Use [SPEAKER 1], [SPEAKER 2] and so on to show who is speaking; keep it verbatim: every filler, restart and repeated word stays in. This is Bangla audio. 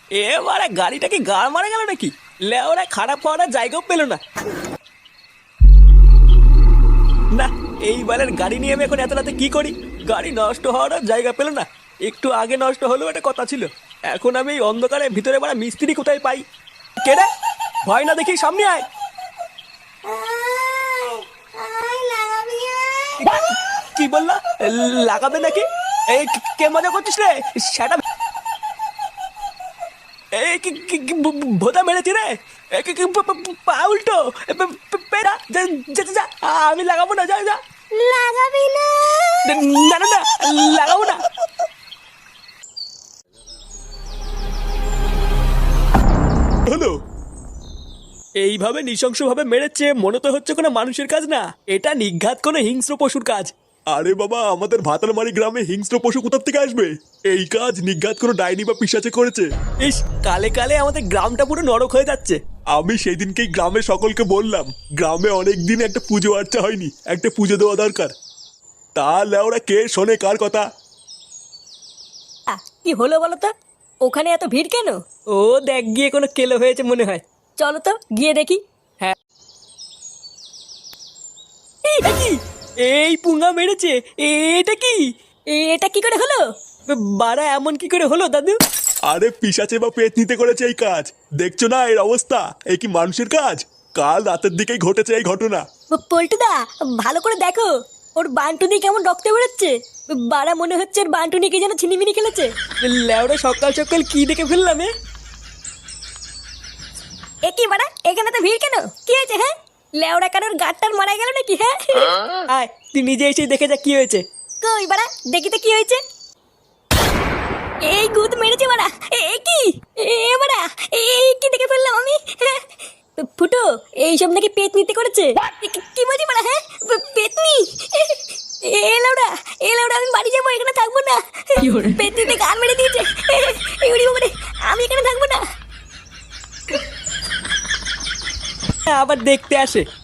[SPEAKER 1] এবারে গাড়িটা কি গাড় মারা গেল নাকি? লেওরা খারাপ হওয়ার আর জায়গাও পেল না। না, এইবারের গাড়ি নিয়ে আমি এখন এত রাতে কি করি? গাড়ি নষ্ট হওয়ার আর জায়গা পেল না। একটু আগে নষ্ট হলেও একটা কথা ছিল। এখন আমি এই অন্ধকারে ভিতরে বাড়া মিস্ত্রি কোথায় পাই? কেডা? ভয় না দেখি সামনে আয়। কি বললা? লাগাবে নাকি? এই কে মজা করছিস রে? সেটা এই কি কি ভোদা মেরেছি রে? পা উল্টো পেরা। যা, আমি লাগাবো না। যা যা।
[SPEAKER 2] লাগাবি না?
[SPEAKER 1] না না না, লাগাবো না। হলো এইভাবে নৃশংসভাবে মেরেছে, মনে তো হচ্ছে কোনো মানুষের কাজ না, এটা নিঘাত কোনো হিংস্র পশুর কাজ।
[SPEAKER 3] আরে বাবা, আমাদের ভাতালমারি গ্রামে হিংস্র পশু কোথা থেকে আসবে? এই কাজ নিঘাত কোনো ডাইনি বা পিশাচে করেছে।
[SPEAKER 1] ইস, কালে কালে আমাদের গ্রামটা পুরো নরক হয়ে যাচ্ছে।
[SPEAKER 3] আমি সেই দিনকেই গ্রামের সকলকে বললাম, গ্রামে অনেক দিন একটা পুজো আর্চা হয়নি, একটা পুজো দেওয়া দরকার। তাহলে ওরা কে শোনে কার কথা?
[SPEAKER 2] কি হলো বলো তো? ওখানে এত ভিড় কেন?
[SPEAKER 1] ও দেখ গিয়ে কোনো কেলো হয়েছে মনে হয়।
[SPEAKER 2] চলো তো গিয়ে দেখি।
[SPEAKER 1] হ্যাঁ, এটা কি? এই পুঙ্গা মেরেছে, এটা কি?
[SPEAKER 2] এটা কি করে হলো?
[SPEAKER 1] বাড়া এমন কি করে হলো দাদু?
[SPEAKER 3] আরে পিশাচে বা পেট নিতে করেছে এই কাজ। দেখছো না এর অবস্থা? এই কি মানুষের কাজ? কাল রাতের দিকেই ঘটেছে এই ঘটনা।
[SPEAKER 2] পল্টুদা, ভালো করে দেখো, ওর বান্টুনি কেমন রক্ত বেরোচ্ছে। বাড়া মনে হচ্ছে ওর বান্টুনিকে যেন ছিনিমিনি খেলেছে।
[SPEAKER 1] লেওড়া সকাল সকাল কি দেখে ফেললাম? এ
[SPEAKER 2] এ কি বাড়া, এখানে তো ভিড় কেন? কি হয়েছে? হ্যাঁ, লেওড়া কারোর গাড়টার মারা গেল নাকি? হ্যাঁ,
[SPEAKER 1] আয় তুই নিজে এসে দেখে যা কি হয়েছে।
[SPEAKER 2] কই বাড়া, দেখি তো কি হয়েছে। এই গুদ মেরেছে বাড়া। এ কি? এ বাড়া, এই কি দেখে ফেললাম আমি? হ্যাঁ, ফুটো, এইসব নাকি পেট নিতে করেছে। কি- কি বলছি বাড়া? হ্যাঁ, পেতনি? এ লাউডা, এ লাউডা, আমি বাড়ি যাবো, এখানে থাকবো না। পেতনিতে গান মেরে দিয়েছে। এই উড়ি বাবারে, আমি এখানে থাকবো না।
[SPEAKER 1] আবার দেখতে আসে।